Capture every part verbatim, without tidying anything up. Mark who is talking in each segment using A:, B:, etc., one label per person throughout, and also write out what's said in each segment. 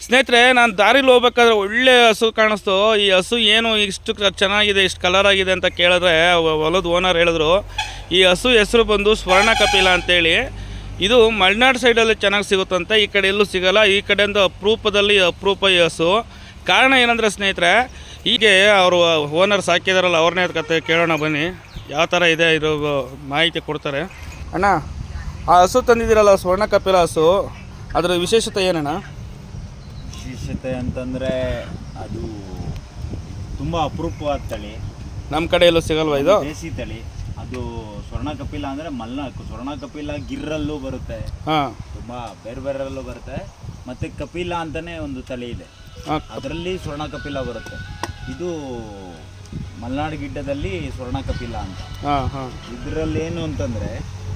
A: ಸ್ನೇಹಿತರೆ, ನಾನು ದಾರಿಲಿ ಹೋಗ್ಬೇಕಾದ್ರೆ ಒಳ್ಳೆ ಹಸು ಕಾಣಿಸ್ತು. ಈ ಹಸು ಏನು ಇಷ್ಟು ಚೆನ್ನಾಗಿದೆ, ಇಷ್ಟು ಕಲರ್ ಆಗಿದೆ ಅಂತ ಕೇಳಿದ್ರೆ ಹೊಲದ ಓನರ್ ಹೇಳಿದ್ರು, ಈ ಹಸು ಹೆಸರು ಬಂದು ಸ್ವರ್ಣ ಕಪಿಲ ಅಂತೇಳಿ. ಇದು ಮಲೆನಾಡು ಸೈಡಲ್ಲಿ ಚೆನ್ನಾಗಿ ಸಿಗುತ್ತಂತೆ, ಈ ಕಡೆ ಎಲ್ಲೂ ಸಿಗೋಲ್ಲ. ಈ ಕಡೆಯಿಂದ ಅಪರೂಪದಲ್ಲಿ ಅಪರೂಪ ಈ ಹಸು. ಕಾರಣ ಏನಂದರೆ ಸ್ನೇಹಿತರೆ, ಹೀಗೆ ಅವರು ಓನರ್ ಸಾಕಿದಾರಲ್ಲ ಅವ್ರನ್ನೇ ಕತೆ ಕೇಳೋಣ ಬನ್ನಿ. ಯಾವ ಥರ ಇದೆ ಇದು ಮಾಹಿತಿ ಕೊಡ್ತಾರೆ. ಅಣ್ಣ, ಆ ಹಸು ತಂದಿದ್ದೀರಲ್ಲ ಸ್ವರ್ಣ ಕಪಿಲ ಹಸು, ಅದರ ವಿಶೇಷತೆ ಏನಣ್ಣ?
B: ವಿಶೇಷತೆ ಅಂತಂದರೆ ಅದು ತುಂಬ ಅಪರೂಪವಾದ ತಳಿ, ನಮ್ಮ
A: ಕಡೆ ಎಲ್ಲೂ ಸಿಗಲ್ವಾ ಇದು?
B: ದೇಸಿ ತಳಿ ಅದು. ಸ್ವರ್ಣ ಕಪಿಲ ಅಂದರೆ ಮಲೆನಾಡು ಸ್ವರ್ಣ ಕಪಿಲ ಗಿರ್ರಲ್ಲೂ ಬರುತ್ತೆ,
A: ಹಾಂ,
B: ತುಂಬ ಬೇರೆ ಬೇರೆಲ್ಲೂ ಬರುತ್ತೆ. ಮತ್ತು ಕಪಿಲ ಅಂತಲೇ ಒಂದು ತಳಿ ಇದೆ, ಅದರಲ್ಲಿ ಸ್ವರ್ಣ ಕಪಿಲ ಬರುತ್ತೆ. ಇದು ಮಲೆನಾಡು ಗಿಡ್ಡದಲ್ಲಿ ಸ್ವರ್ಣ ಕಪಿಲ ಅಂತ.
A: ಹಾಂ ಹಾಂ
B: ಇದರಲ್ಲಿ ಏನು ಅಂತಂದರೆ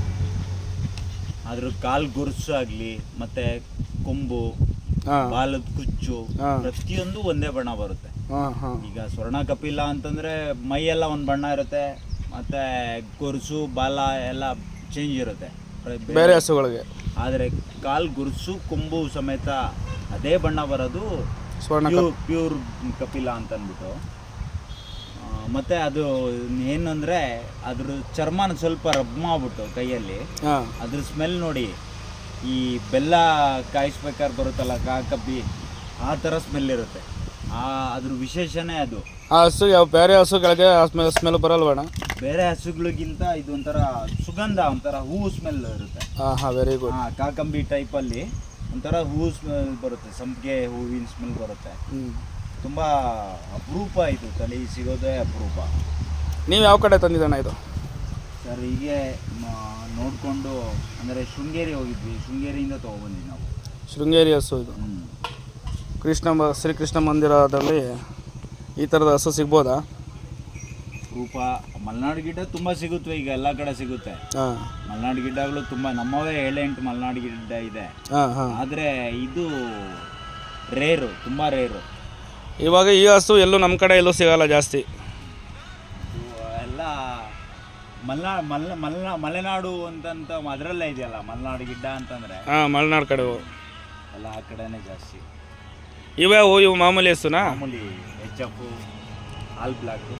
B: ಅದ್ರ ಕಾಲು ಗುರುಸು ಆಗಲಿ ಮತ್ತು ಕೊಂಬು, ಬಾಲದ ಕುಚ್ಚು, ಪ್ರತಿಯೊಂದು ಒಂದೇ ಬಣ್ಣ ಬರುತ್ತೆ. ಈಗ ಸ್ವರ್ಣ ಕಪಿಲ ಅಂತಂದರೆ ಮೈಯೆಲ್ಲ ಒಂದು ಬಣ್ಣ ಇರುತ್ತೆ, ಮತ್ತು ಗೊರುಸು ಬಾಲ ಎಲ್ಲ ಚೇಂಜ್ ಇರುತ್ತೆ
A: ಬೇರೆ ಹಸುಗಳಿಗೆ.
B: ಆದರೆ ಕಾಲು ಗುರುಸು ಕೊಂಬು ಸಮೇತ ಅದೇ ಬಣ್ಣ ಬರೋದು
A: ಸ್ವರ್ಣ
B: ಪ್ಯೂರ್ ಕಪಿಲ ಅಂತ ಅಂದ್ಬಿಟ್ಟು. ಮತ್ತು ಅದು ಏನಂದರೆ ಅದ್ರ ಚರ್ಮನ ಸ್ವಲ್ಪ ರಬ್ ಮಾಡಿಬಿಟ್ಟು ಕೈಯಲ್ಲಿ ಅದ್ರ ಸ್ಮೆಲ್ ನೋಡಿ, ಈ ಬೆಲ್ಲ ಕಾಯಿಸ್ಬೇಕಾದ್ರೆ ಬರುತ್ತಲ್ಲ ಕಾ ಕಬ್ಬಿ, ಆ ಥರ ಸ್ಮೆಲ್ ಇರುತ್ತೆ. ಆ ಅದ್ರ ವಿಶೇಷನೇ ಅದು.
A: ಆ ಹಸು ಯಾವ ಬೇರೆ ಹಸುಗಳಿಗೆ ಆ ಸ್ಮೆಲ್ ಸ್ಮೆಲ್ ಬರಲ್ವಣ?
B: ಬೇರೆ ಹಸುಗಳಿಗಿಂತ ಇದು ಒಂಥರ ಸುಗಂಧ, ಒಂಥರ ಹೂವು ಸ್ಮೆಲ್ ಇರುತ್ತೆ.
A: ಹಾಂ ಹಾಂ ವೆರಿ ಗುಡ್.
B: ಹಾಂ, ಕಾಕಂಬಿ ಟೈಪಲ್ಲಿ ಒಂಥರ ಹೂವು ಸ್ಮೆಲ್ ಬರುತ್ತೆ, ಸಂಪಿಗೆ ಹೂವಿನ ಸ್ಮೆಲ್ ಬರುತ್ತೆ. ತುಂಬ ಅಪರೂಪ ಇದು ತಳಿ, ಸಿಗೋದೇ ಅಪರೂಪ.
A: ನೀವು ಯಾವ ಕಡೆ ತಂದಿದ್ದಾನೆ ಇದು?
B: ಸರ್, ಹೀಗೆ ನೋಡಿಕೊಂಡು ಅಂದರೆ ಶೃಂಗೇರಿ ಹೋಗಿದ್ವಿ, ಶೃಂಗೇರಿಯಿಂದ ತೊಗೊಬಂದ್ವಿ ನಾವು.
A: ಶೃಂಗೇರಿ ಹಸು ಇದು. ಕೃಷ್ಣ ಶ್ರೀಕೃಷ್ಣ ಮಂದಿರದಲ್ಲಿ ಈ ಥರದ ಹಸು ಸಿಗ್ಬೋದಾ?
B: ರೂಪ ಮಲೆನಾಡು ಗಿಡ್ಡ ತುಂಬ ಸಿಗುತ್ತವೆ, ಈಗ ಎಲ್ಲ ಕಡೆ ಸಿಗುತ್ತೆ. ಮಲೆನಾಡು ಗಿಡ್ಡಗಳು ತುಂಬ, ನಮ್ಮವೇ ಏಳೆಂಟು ಮಲೆನಾಡು ಗಿಡ್ಡ ಇದೆ. ಆದರೆ ಇದು ರೇರು, ತುಂಬ ರೇರು.
A: ಇವಾಗ ಈ ಹಸು ಎಲ್ಲೂ ನಮ್ಮ ಕಡೆ ಎಲ್ಲೂ ಸಿಗಲ್ಲ ಜಾಸ್ತಿ.
B: ಎಲ್ಲ ಮಲೆನಾ ಮಲೆ ಮಲೆನಾ ಮಲೆನಾಡು ಅಂತಂತ ಅದರಲ್ಲೇ ಇದೆಯಲ್ಲ ಮಲೆನಾಡು ಗಿಡ್ಡ ಅಂತಂದರೆ.
A: ಹಾಂ, ಮಲೆನಾಡು ಕಡೆ
B: ಎಲ್ಲ ಆ ಕಡೆನೇ ಜಾಸ್ತಿ.
A: ಇವೇ ಇವು ಮಾಮೂಲಿ ಹಸುನಾ?
B: ಮಾಮೂಲಿ ಎಚ್ ಎಫ್, ಆಲ್ ಬ್ಲ್ಯಾಕು.